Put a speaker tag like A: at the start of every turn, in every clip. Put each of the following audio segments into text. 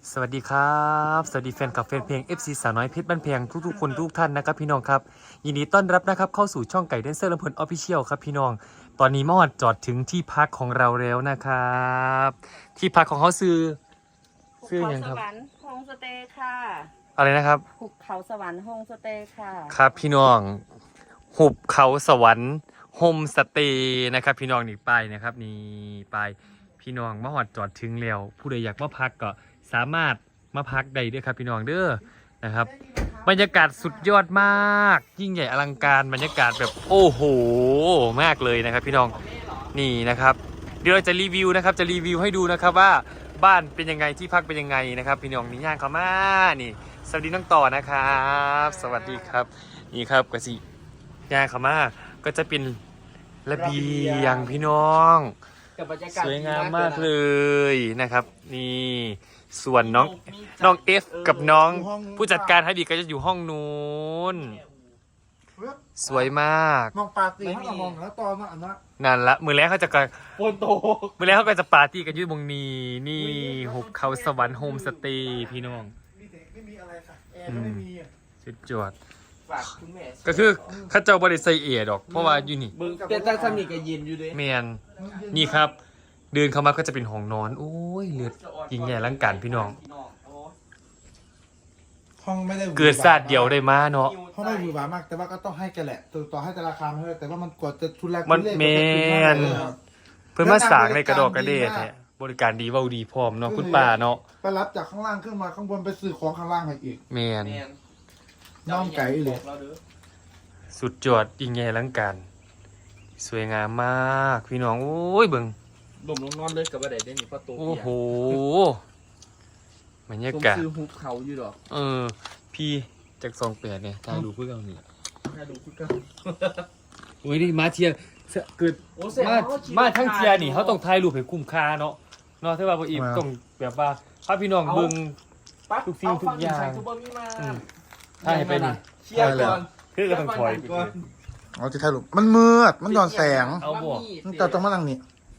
A: สวัสดีครับสวัสดีแฟนคลับแฟนเพลง FC สาวน้อยเพชรบ้านแพงทุกๆคนทุกท่านนะครับพี่น้องครับยินดีต้อนรับนะครับเข้าสู่ช่องไก่แดนเซอร์ลำเพลินออฟฟิเชียลครับพี่น้องตอนนี้มอดจอดถึงที่พักของเราแล้วนะครับที่พักของเขาซื้ออย่างครับ
B: สวรรค์โฮมสเตย์ค่ะ
A: อะไรนะครับ
B: หุบเขาสวรรค์โฮมสเตย์ค่ะ
A: ครับพี่น้องหุบเขาสวรรค์โฮมสเตย์นะครับพี่น้องนี่ไปนะครับนี่ไปพี่น้องมาหอดจอดถึงแล้วผู้ใดอยากมาพักก็สามารถมาพักได้ด้วยครับพี่น้องเด้อนะครับบรรยากาศสุดยอดมากยิ่งใหญ่อลังการบรรยากาศแบบโอ้โหมากเลยนะครับพี่น้องนี่นะครับเดี๋ยวเราจะรีวิวนะครับจะรีวิวให้ดูนะครับว่าบ้านเป็นยังไงที่พักเป็นยังไงนะครับพี่น้องนี่ย่างเข้ามานี่สวัสดีน้องต่อนะครับสวัสดีครับนี่ครับกสิย่างเข้ามาก็จะเป็นระเบียงพี่น้องสวยงามมากเลยนะครับนี่ส่วนน้องเอฟกับน้องผู้จัดการให้ดีก็จะอยู่ห้องนู้นสวยมาก
C: มองปาร์ตี้เขามองแล้วตอนนั้นนะ
A: นั่นละมือแรกเขาจะกัน
C: โปนโต
A: มือแรกเขาก็จะปาร์ตี้กันอยืดบงนีนี่หุบเขาสวรรค์โฮมสเตย์พี่น้อง
C: มีเด็กไม่มีอะไรค่ะแอร์ก็ไม่มีอ่ะ
A: สุดยอด
D: ฝากคุณแม่
A: ก็คือเข้าเจ้าบริษัทเอดอกเพราะว่าอยู่นี่
D: มึงแต่ตั้งสนิทกับยินอยู่ด้วย
A: แมนนี่ครับ เดินเข้ามาก็จะเป็นห้องนอนโอ้ยเลือดยิงใหญ่ร่างการพี่น้อง
C: ห้องไม่ได้
A: เกิดศาสตร์เดียวได้มาเนาะ
C: ห้องไม่หวือหวา มากแต่ว่าก็ต้องให้แกแหละต่อให้แต่ราคาไม่เท่าไหร่แต่ว่ามันกว่าจะทุนแรก
A: มัน
C: ทุ
A: แมน เพื่อนมาสางในกระดอกกระเดดแท้บริการดีเว้าดีพร้อมเนาะคุณป้าเนาะ
C: ไปรับจากข้างล่างขึ้นมาข้างบนไปซื้อของข้างล่างให้อีก
A: แมน
C: น้องไก่เลย
A: สุดยอดยิ่งใหญ่ร่างการสวยงามมากพี่น้องโอ้ยเบิ่ง
D: หลุมลงนอนเลยกับว่าใดได้หนิเพราะตัว
A: โอ้
D: เปีย
A: โหบรรยา
D: ผม
A: กาศ
D: ซื้อฮุบเขาอยู่ดอก
A: พี่จากซองแปดเนี่ยถ่ายรูปเพื่อเอานี่
D: ถ้าดูคุณก็
A: โอ้ยนี่มาเทียเกิด
D: โอ้เสีย
A: มาทั้งเทียนี่เขาต้องถ่ายรูปให้คุ้มค่าเนาะเนาะถ้าว่าบ่อีกต้องแบบว่าพาพี่น้องเบิ่ง ทุกสิ่งทุกอย่าง
D: ทุกบ่มีมา
A: ถ่ายให้ไปนี่
D: เชียร์ก่อน
A: คือก็ต้องถอยไป
D: ก่อน
C: อ๋อจะถ่ายรูปมันมืดมันย้อนแสง
A: เอาบ่
C: มันแต่ต้องมานั่งนี่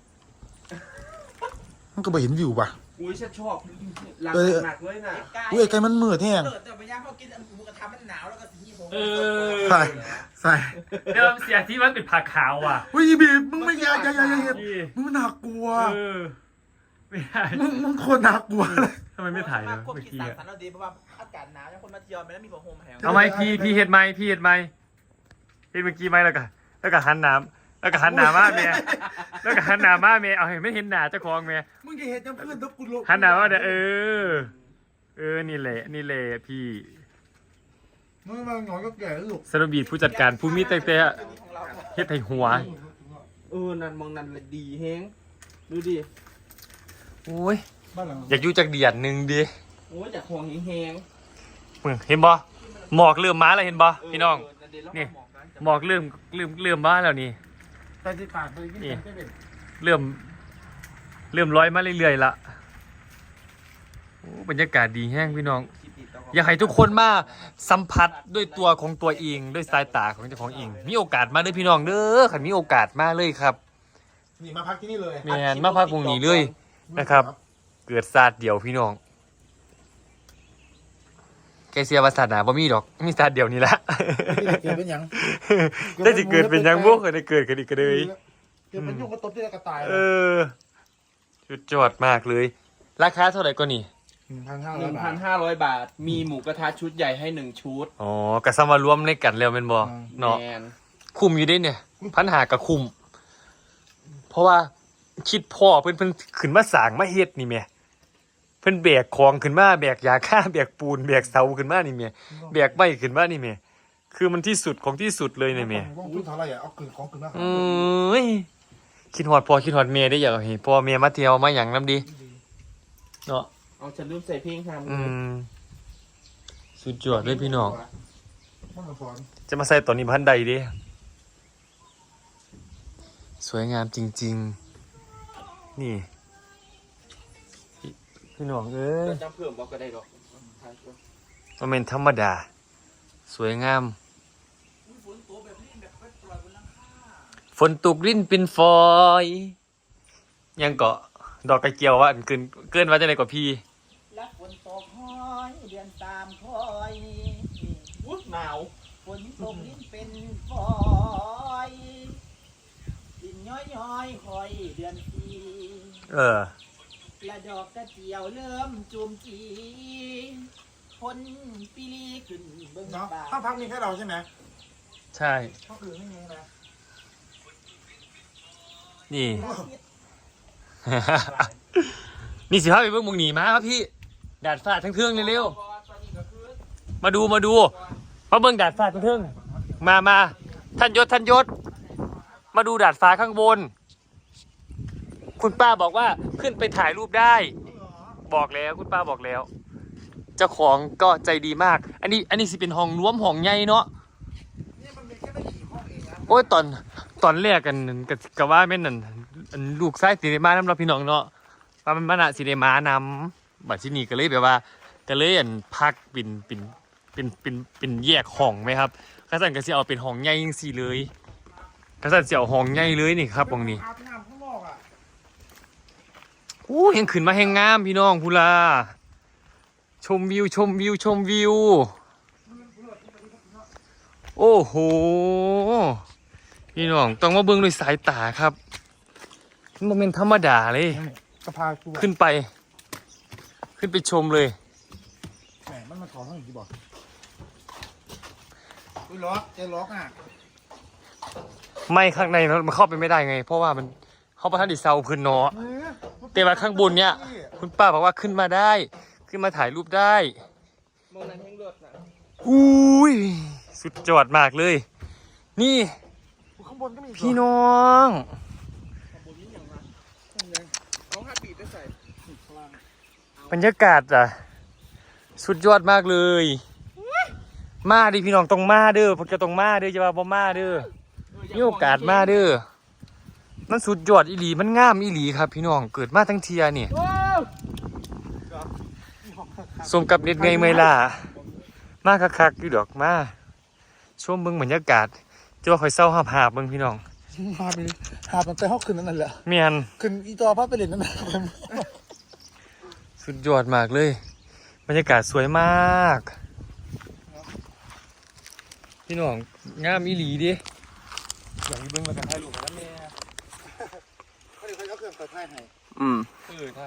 C: มันก็ไปเห็นวิวป่ะ
D: อุ้ยฉันชอบหลังหนักเลยนะ
C: อุ้ยไอ้ไก่มันมืดแห้ง
E: แต่ไปย่างเขากินหมูกระทะมันหนาวแล้วก็สีผม
A: เออ
C: ใส่ใส่
A: เดิมเสียที่มันเป็นผักขาวอ่ะ
C: อุ้ยบีบมึงไม่อย่า
A: พี่
C: มึงน่ากลัว
A: เออไม่ได้
C: มึงโคตรน่ากลัวเลย
A: ทำไมไม่ถ่ายเลย
E: พวก
A: เมื่อ
E: กิน
A: กี้
E: สาร
A: อะ
E: สารเราดีเพราะว่าอากาศหนาวยังคนมาเที่ยวไม่ได้มีผ้าห่มแห้ง
A: เอาไหมพี่เห็ดไหมพี่เห็ดไหมเห็ดเมื่อกี้ไหมแล้วก็หันน้ำแล้วก็หันหน้ามาเมียแล้วก็หันหน้ามาเมียเอาเห็นไม่เห็นหน้าเจ้าของเมีย
C: มึงจะเห็นจำเพื่อนทบกูลง
A: หันหน้ามาเด้อนี่แหละพี่
C: มึงมาหงอยก็แก่ลูก
A: สรบีดผู้จัดการผู้มีแต่เฮ็ดให้หัว
D: นั่นมองนั่นเลยดีแฮงดูดิ
A: โอ้ย
C: บ้านหลัง
A: อยากอยู่จากเดียดหนึงดิ
D: โอ้ยจากห่วงแฮง
A: มึงเห็นบ่หมอกเริ่มมาแล้วเห็นบ่พี่น้อง นี่ หมอกเริ่มมาแล้วนี่
C: ไปที่ปากไปกินไม่เป็น
A: เริ่มร้อยมาเรื่อยๆละโอ้บรรยากาศดีแห้งพี่น้อง อยากให้ทุกคนมาสัมผัสด้วยตัวของตัวเองด้วยสายตาของเจ้าของเองมีโอกาสมาเลยพี่น้องเด้อขันมีโอกาสมาเลยครับ
C: นี่มาพักที่นี่เลย
A: แมนมาพักวงนี้เลยนะครับ เกิดศาสตร์เดียวพี่น้องแกเสียภาษาหนาบ่มีดอกมีศาสตร์เดียวนี่ละ
C: เกิดเป็นยัง
A: ได้สิเกิดเป็นยังบ่เคยได้เกิดกันอีกก็เลย
C: เกิดเป็นยุ่งก็ตบที่กระต่าย
A: เออสุดยอดมากเลย ราคาเท่าไหร่ก็นี่
C: 1,500 บาท
D: 1,500 บาท มีหมูกระทะชุดใหญ่ให้1ชุด
A: อ๋อกระซำมารวมในกันแล้วเป็นบ่เนาะ
D: แมน
A: คุ้มอยู่เด้เนี่ย1,500กับคุ้มเพราะว่าคิดพ่อเพิ่นขึ้นมาสร้างมาเฮ็ดนี่แหม่เพิ่นแบกของขึ้นมาแบกยาฆ่าแบกปูนแบกเสาขึ้นมานี่แหม่แบกไม้ขึ้นมานี่แหม่คือมันที่สุดของที่สุดเลยเนี่ยแหม่
C: ว่าทุนเท่าไหร่เอากลืนของกลืนมา
A: คิดฮอดพ่อคิดฮอดแม่ได้อยากให้พ่อแม่มาเที่ยวมาหยังนำดีเนาะ
D: เอาฉันลืมใส่เพลงทำ
A: สุดยอดเลยพี่น้อง
C: มันสอน
A: จะมาใส่ตอนนี้พันใดดิสวยงามจริงๆนี่พี่น้องเอ้ย
D: จำเพิ่มบอกก็ได้ดอก
A: มันเป็นธรรมดา สวยงามฝนตกรินเป็นฟอยยังเกาะดอกกระเจียวว่าอันเกินว่าจะไหนกว่าพี่
E: แล้วฝนนตกห้อยเดือนตามคอยวุ้หนาวฝนตกลิ้นเป็นฝอยดินย้อยคอยเดือนสี่ และดอกกระเจียวเริ่มจูมจีพ้นปีลีขึ้นเบื้อง
C: เนาะ
E: ป่า
C: ห้องพักมีแค่เราใช่ไหม
A: ใช่
C: ห้องอื่นไม่มีนะ
A: นี่ นี่สิพาไปเบิ่งหมุงหนีมาครับพี่ดาดฟ้าทั้งเทืองเร็วๆมาดูมาเบิ่งดาดฟ้าทั้งเทืองมาท่านยศมาดูดาดฟ้าข้างบน คุณป้าบอกว่าขึ้นไปถ่ายรูปได้ บอกแล้วคุณป้าบอกแล้ว เจ้าของก็ใจดีมาก อันนี้สิเป็นห้องรวมห้องใหญ่เนาะ
C: นี่มันมีแค่ไม่กี่ห้องเองนะ
A: โอ้ยตอนแรกกันก็ว่าแม่นนั่นอันลูกชายสิได้มานำเราพี่น้องเนาะว่ามันน่ะสิได้มานำบัดที่นี่ก็เลยแบบว่าก็เลยอันพักเป็นแยกห้องไหมครับกระสันก็สิเอาเป็นห้องใหญ่จังซี่เลยกระสันสิเอาห้องใหญ่เลยนี่ครับตรงนี้
C: อาบน้ำข้างนอกอ่ะ
A: อู้ยังขึ้นมาแห่งงามพี่น้องพูลาชมวิวโอ้โหพี่น้องต้องมาเบิ่งด้วยสายตาครับมันบ่แม่นธรรมดาเลย
C: กระพากู
A: ขึ้นไปชมเลย
C: แหมมันมาขอห้องอีกทีบอกอุ้ยล็อกใจล็อกอ่ะ
A: ไม่ข้างในมันเข้าไปไม่ได้ไง เพราะว่ามันเข้าประทันดิเซาพื้นเนาะแต่ว่าข้างบนเนี่ยคุณป้าบอกว่าขึ้นมาได้ ขึ้นมาถ่ายรูปได้
D: มองนั้นแห้งเลือดนะ
A: อุ้ยสุดยอดมากเลย นี่
C: ข้างบนก็มี
A: พี่น้อง
D: เอาห้าปีได้ใส่
A: บรรยากาศอ่ะสุดยอดมากเลย มาดิพี่น้องต้องมาเด้อพวกจะต้องมาเด้อจะว่าบ่มาเด้อมีโอกาสมาเด้อมันสุดยอดอีหลีมันงามอีหลีครับพี่น้องเกิดมาทั้งเทียนี่สมกับเน็ดไงเมยล่ะมาคักๆอยู่ดอกมาชมเบิ่งบรรยากาศจะว่าคอยเศร้าหาบๆเบิ่งพี่น้อง
C: มาไปหาบตั้งแต่ห้องคืนนั่นแหละ
A: เมียน
C: คืนอีตัวพาไปเล่นนั่นแหละ
A: สุดยอดมากเลยบรรยากาศสวยมากพี่น้องงามอีหลีดิอยากเบิ่งมากันถ่ายรูปกันนะแม่
C: เขาเดี๋ยวเขาเอาเครื่องเปิดไพ่ให้
A: ใช่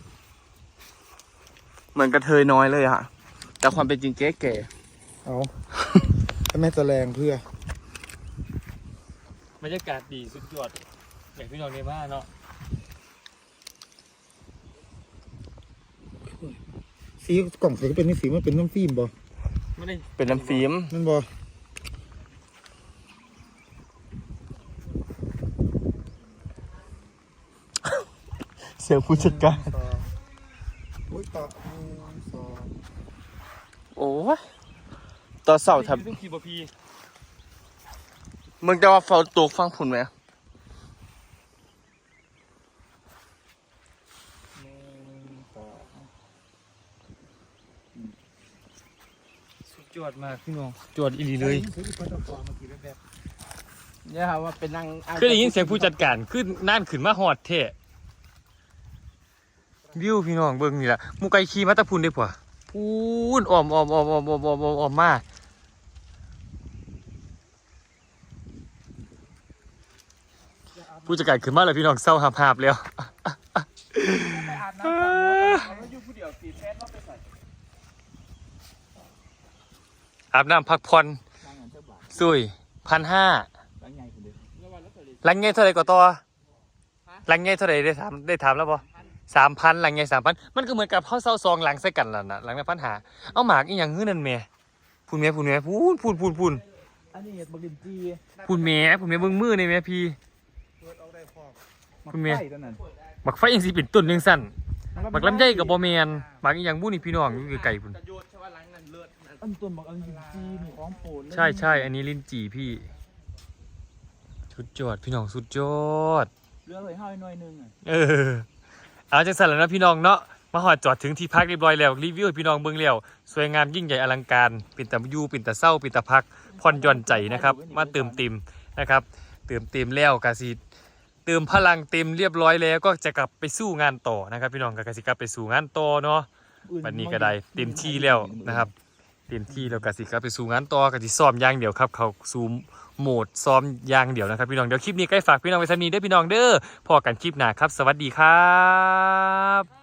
D: เหมือนกระเทยน้อยเลยอะแต่ความเป็นจริงเก๋
C: เอาถ้าแม่จะแรงเพื่อบ
A: รรยากาศดีสุดยอดอยากพี่น้องได้มาเนาะ
C: สีกล่องสีก็เป็นนี่สีมันเป็นน้ำฟิล์มบ่
A: ไม่ได้
D: เป็นน้ำฟิล์ม
C: นั่นบ่
A: เสียงผู้จัดการ
C: อุ้ยต่อสอง
D: โอ้ยต่อเสาท
A: ซึ่งพีบพี
D: ำมึงจะว่าเฝ้าตัวฟังผุนไหม
A: สุดยอดมากพี่น้องจอดอีหลีเลย
D: เนี่ยครับว่าเป็นนาง
A: คือได้ยินเสียงผู้จัดการขึ้นน่านขึ้นมาหอดเทะวิวพี่น้องเบิ่งนี่ล่ะหมูไก่ขี่มาตะพุนได้ป่ะพูนอ้อมมาผู้จัดการขึ้นมาแล้วพี่น้องเศร้าหาบๆแล้ว
E: ไปอาบน้ำแล้วอยู่ผู้เดียวตีแทนว่าไปใส่
A: อาบน้ำพักผ่อนสุย1,500หลังไงเท่าไหร่ก็ต่อหลังไงเท่าไหร่ได้ถามแล้วป่ะ3,000หลังไง3,000มันก็เหมือนกับเขาเศร้าซองหลังใส่กันแล้วนะหลังใน1,500เอาหมากอีหยังฮื้อนั่นแม่พูนแม่พูน
E: อันนี้เห็ดบักลินจี
A: พูนแม่เบิ่งมือในแม่พี่พูนแม่
E: ไฟตัวนั้น
A: บักไฟยังสิเป็นต้นยังสั่นบักลำไยกับบ่แม่นบักอีหยังบุนี่พี่น้องอยู่ไกลๆพุ่น
D: จะโยนใช่ว่าล้างนั่นเลือด
E: อันต้นบักลินจีมีของโปรดเลย
A: ใช่อันนี้ลิ้นจี่พี่สุดยอดพี่น้องสุดยอด
E: เรื่องเลยห้อยหน่อยนึงอ่ะ
A: เอาจังสั่นแล้วนะพี่น้องเนาะมาหอดจอดถึงที่พักเรียบร้อยแล้วรีวิวให้พี่น้องเบิ่งแล้วสวยงามยิ่งใหญ่อลังการปิ่นตะยูปิ่นตะเศร้าปิ่นตะพักผ่อนหย่อนใจนะครับมาเติมเต็มนะครับเติมเต็มแล้วกะสิเติมพลังเต็มเรียบร้อยแล้วก็จะกลับไปสู้งานต่อนะครับพี่น้องกะสิกลับไปสู่งานต่อเนาะวันนี้ก็ได้เต็มที่แล้วนะครับเต็มที่แล้วก็สิครับไปสู่งานต่อก็สิซ้อมอย่างเดียวครับเขาสู่โหมดซ้อมอย่างเดียวนะครับพี่น้องเดี๋ยวคลิปนี้ใกล้ฝากพี่น้องไว้สักนี้เด้อพี่น้องเด้อพอกันคลิปหน้าครับสวัสดีครับ